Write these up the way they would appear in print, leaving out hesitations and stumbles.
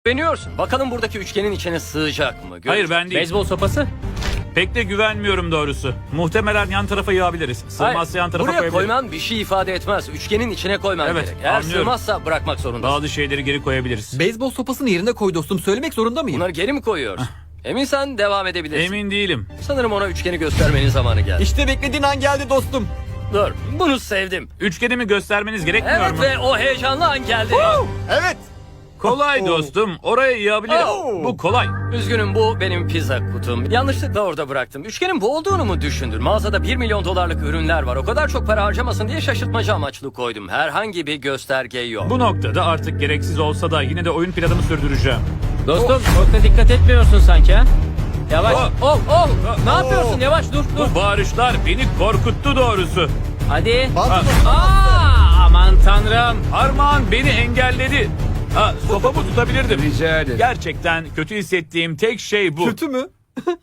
Güveniyorsun. Bakalım buradaki üçgenin içine sığacak mı? Hayır ben değil. Beyzbol sopası? Pek de güvenmiyorum doğrusu. Muhtemelen yan tarafa yığabiliriz. Sığmazsa yan tarafa buraya koyabiliriz. koyman bir şey ifade etmez. Üçgenin içine koyman Evet, gerek. Eğer anlıyorum. sığmazsa bırakmak zorundasın. Bazı şeyleri geri koyabiliriz. Beyzbol sopasını yerine koy dostum. Söylemek zorunda mıyım? Bunları geri mi koyuyoruz? Eminsen devam edebilirsin. Emin değilim. Sanırım ona üçgeni göstermenin zamanı geldi. İşte beklediğin an geldi dostum. Dur, bunu sevdim. Üçgenimi göstermeniz gerekmiyor Evet mu? ve o heyecanlı an geldi. Evet. Kolay dostum. Oraya yığabilirim. Oh. Bu kolay. Üzgünüm, bu benim pizza kutum. Yanlışlıkla orada bıraktım. Üçgenin bu olduğunu mu düşündün? Mağazada 1 milyon dolarlık ürünler var. O kadar çok para harcamasın diye şaşırtmaca amaçlı koydum. Herhangi bir gösterge yok. Bu noktada artık gereksiz olsa da yine de oyun planımı sürdüreceğim. Dostum çok da dikkat etmiyorsun sanki ha? Yavaş. Oh. Oh. Ne yapıyorsun? Yavaş dur. Bu bağırışlar beni korkuttu doğrusu. Hadi. Ha, Aman tanrım. Armağan beni engelledi. Sopamı tutabilirdim. Rica ederim. Gerçekten kötü hissettiğim tek şey bu. Kötü mü?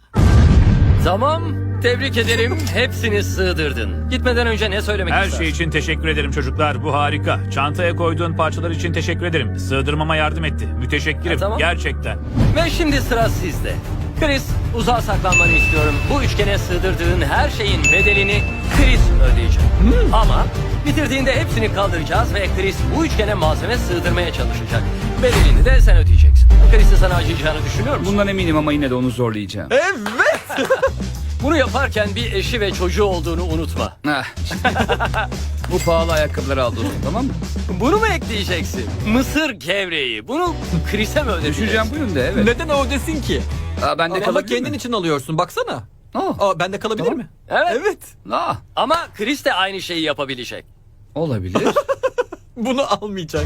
Tamam, tebrik ederim. Hepsini sığdırdın. Gitmeden önce ne söylemek Her istersin? şey için teşekkür ederim çocuklar. Bu harika. Çantaya koyduğun parçalar için teşekkür ederim. Sığdırmama yardım etti. Müteşekkirim. Tamam. Gerçekten. Ve şimdi sıra sizde. Chris, uzağa saklanmanı istiyorum. Bu üçgene sığdırdığın her şeyin bedelini Chris ödeyecek. Ama bitirdiğinde hepsini kaldıracağız ve Chris bu üçgene malzeme sığdırmaya çalışacak. Bedelini de sen ödeyeceksin. Chris'in sana acıyacağını düşünüyor musun? Bundan eminim ama yine de onu zorlayacağım. Evet. Bunu yaparken bir eşi ve çocuğu olduğunu unutma. Ah, bu pahalı ayakkabıları al dostum, tamam mı? Bunu mu ekleyeceksin? Mısır gevreği. Bunu Chris'e mi ödeyeceksin? Düşeceğim bu yönde, evet. Neden o desin ki? Ben de Ama kalabilir kendin mi? için alıyorsun baksana. Oh, Bende kalabilir Tamam. mi? Evet. Evet. ah, Ama Chris de aynı şeyi yapabilecek. olabilir. Bunu almayacak.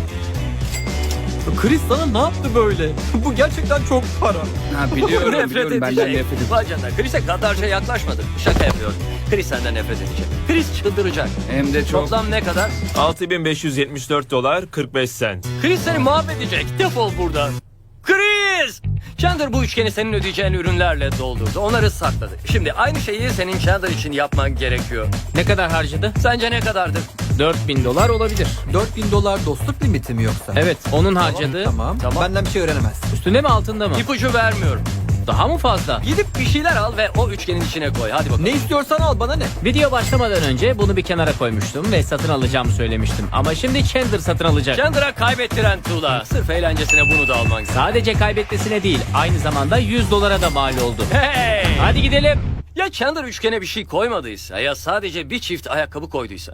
Chris sana ne yaptı böyle? Bu gerçekten çok para. Ha, biliyorum benden nefret ediyorum. Bacana, Chris'e gaddarca yaklaşmadım. Şaka yapıyorum. Chris senden nefret edecek. Chris çıldıracak. Hem de çok. Toplam ne kadar? 6574 dolar 45 sent. Chris seni mahvedecek. Defol buradan. Chris! Chandler bu üçgeni senin ödeyeceğin ürünlerle doldurdu. Onları sakladı. Şimdi aynı şeyi senin Chandler için yapman gerekiyor. Ne kadar harcadı? Sence ne kadardır? $4000 olabilir. $4000 dostluk limiti mi yoksa? Evet onun harcadığı. Tamam. Tamam. Benden bir şey öğrenemez. Üstünde mi altında mı? İpucu vermiyorum. Daha mı fazla? Gidip bir şeyler al ve o üçgenin içine koy. Hadi bakalım. Ne istiyorsan al, bana ne? Video başlamadan önce bunu bir kenara koymuştum ve satın alacağımı söylemiştim. Ama şimdi Chandler satın alacak. Chandler'a kaybettiren tuğla. Sırf eğlencesine bunu da alman gerekiyor. Sadece kaybetmesine değil, aynı zamanda $100'a da mal oldu. Hey! Hadi gidelim. Ya Chandler üçgene bir şey koymadıysa ya sadece bir çift ayakkabı koyduysa.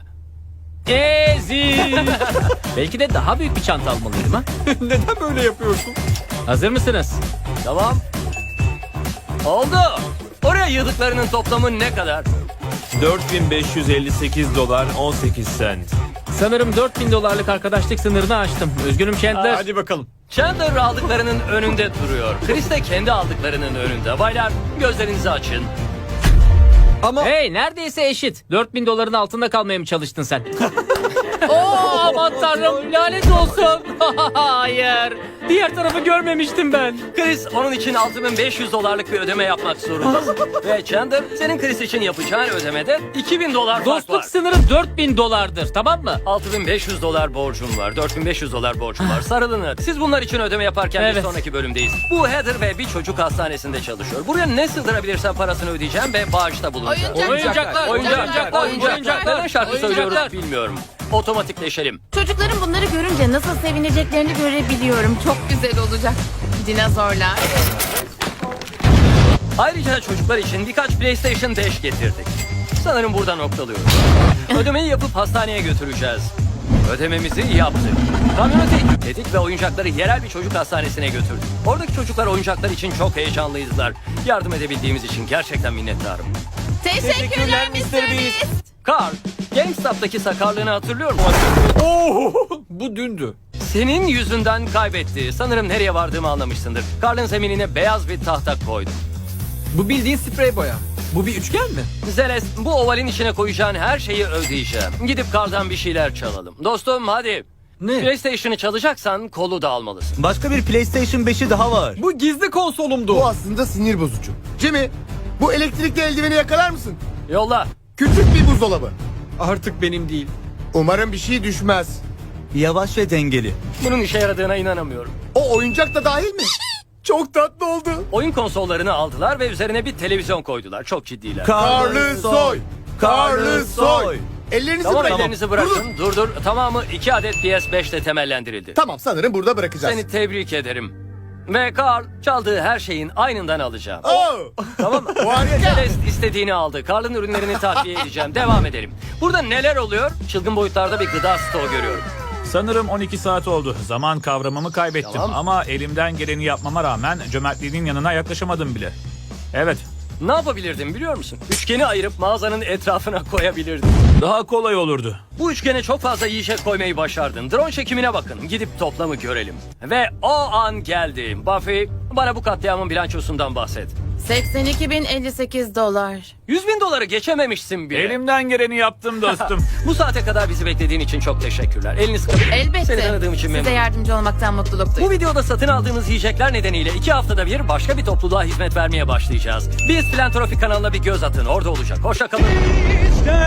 Ezi. Belki de daha büyük bir çanta almalıydım ha. Neden böyle yapıyorsun? Hazır mısınız? Tamam. Oldu. Oraya yığdıklarının toplamı ne kadar? 4558 dolar 18 sent. Sanırım $4000'lık arkadaşlık sınırını aştım. Üzgünüm Chandler. Hadi bakalım. Chandler aldıklarının önünde duruyor. Chris de kendi aldıklarının önünde. Baylar gözlerinizi açın. Ama Hey neredeyse eşit. $4000'ın altında kalmaya mı çalıştın sen? Oo aman tanrım lanet olsun. Hayır. Diğer tarafı görmemiştim ben. Chris onun için 6500 dolarlık bir ödeme yapmak zorunda. Ve Chandler senin Chris için yapacağın ödemede 2000 dolar fark Dostluk var. sınırı $4000 tamam mı? 6500 dolar borcum var. 4500 dolar borcum var. Sarılın hadi. Siz bunlar için ödeme yaparken bir Evet. sonraki bölümdeyiz. Bu Heather ve bir çocuk hastanesinde çalışıyor. Buraya ne sığdırabilirsem parasını ödeyeceğim ve bağışta bulunacağım. Oyuncaklar. Neden şarkı söylüyoruz bilmiyorum. Otomatikleşelim. Çocukların bunları görünce nasıl sevineceklerini görebiliyorum. Çok güzel olacak. Dinozorlar. Ayrıca çocuklar için birkaç PlayStation 5 getirdik. Sanırım burada noktalıyoruz. Ödemeyi yapıp hastaneye götüreceğiz. Ödememizi yaptık. Kamyoneti yükledik ve oyuncakları yerel bir çocuk hastanesine götürdük. Oradaki çocuklar oyuncaklar için çok heyecanlıydılar. Yardım edebildiğimiz için gerçekten minnettarım. Teşekkürler Mr. Beast. Carl, GameStop'taki sakarlığını hatırlıyor musun? Oo, bu dündü. Senin yüzünden kaybetti. Sanırım nereye vardığımı anlamışsındır. Carl'ın zeminine beyaz bir tahta koydum. Bu bildiğin sprey boya. Bu bir üçgen mi? Zeles, bu ovalin içine koyacağın her şeyi ödeyeceğim. Gidip Carl'dan bir şeyler çalalım. Dostum hadi. Ne? PlayStation'ı çalacaksan kolu da almalısın. Başka bir PlayStation 5'i daha var. Bu gizli konsolumdu. Bu aslında sinir bozucu. Jimmy, bu elektrikli eldiveni yakalar mısın? Yolla. Küçük bir buzdolabı. Artık benim değil. Umarım bir şey düşmez. Yavaş ve dengeli. Bunun işe yaradığına inanamıyorum. O Bu oyuncak da dahil mi? Çok tatlı oldu. Oyun konsollarını aldılar ve üzerine bir televizyon koydular. Çok ciddiler. Karlı soy. Karlı soy. Ellerinizi Tamam, bırakın. ellerinizi bırakın. Dur. Tamamı 2 adet PS5 ile temellendirildi. Tamam, sanırım burada bırakacağız. Seni tebrik ederim. Ve Carl çaldığı her şeyin aynından alacağım. Oh! Tamam mı? Harika. Celeste istediğini aldı. Carl'ın ürünlerini takviye edeceğim. Devam edelim. Burada neler oluyor? Çılgın boyutlarda bir gıda stoğu görüyorum. Sanırım 12 saat oldu. Zaman kavramımı kaybettim. Tamam. Ama elimden geleni yapmama rağmen cömertliğinin yanına yaklaşamadım bile. Evet, Ne yapabilirdim biliyor musun? Üçgeni ayırıp mağazanın etrafına koyabilirdim. daha kolay olurdu. Bu üçgene çok fazla yiyecek koymayı başardın. Drone çekimine bakın. Gidip toplamı görelim. Ve o an geldi. Buffy, bana bu katliamın bilançosundan bahset. 82.058 dolar. 100.000 doları geçememişsin bile. Elimden geleni yaptım dostum. Bu saate kadar bizi beklediğin için çok teşekkürler. Elini sıkabilir miyim? Seni Elbette. tanıdığım için Size memnunum. yardımcı olmaktan mutluluk Bu duydum. videoda satın aldığımız yiyecekler nedeniyle 2 haftada bir başka bir topluluğa hizmet vermeye başlayacağız. Biz Filantrofi kanalına bir göz atın. Orada olacak. Hoşça kalın.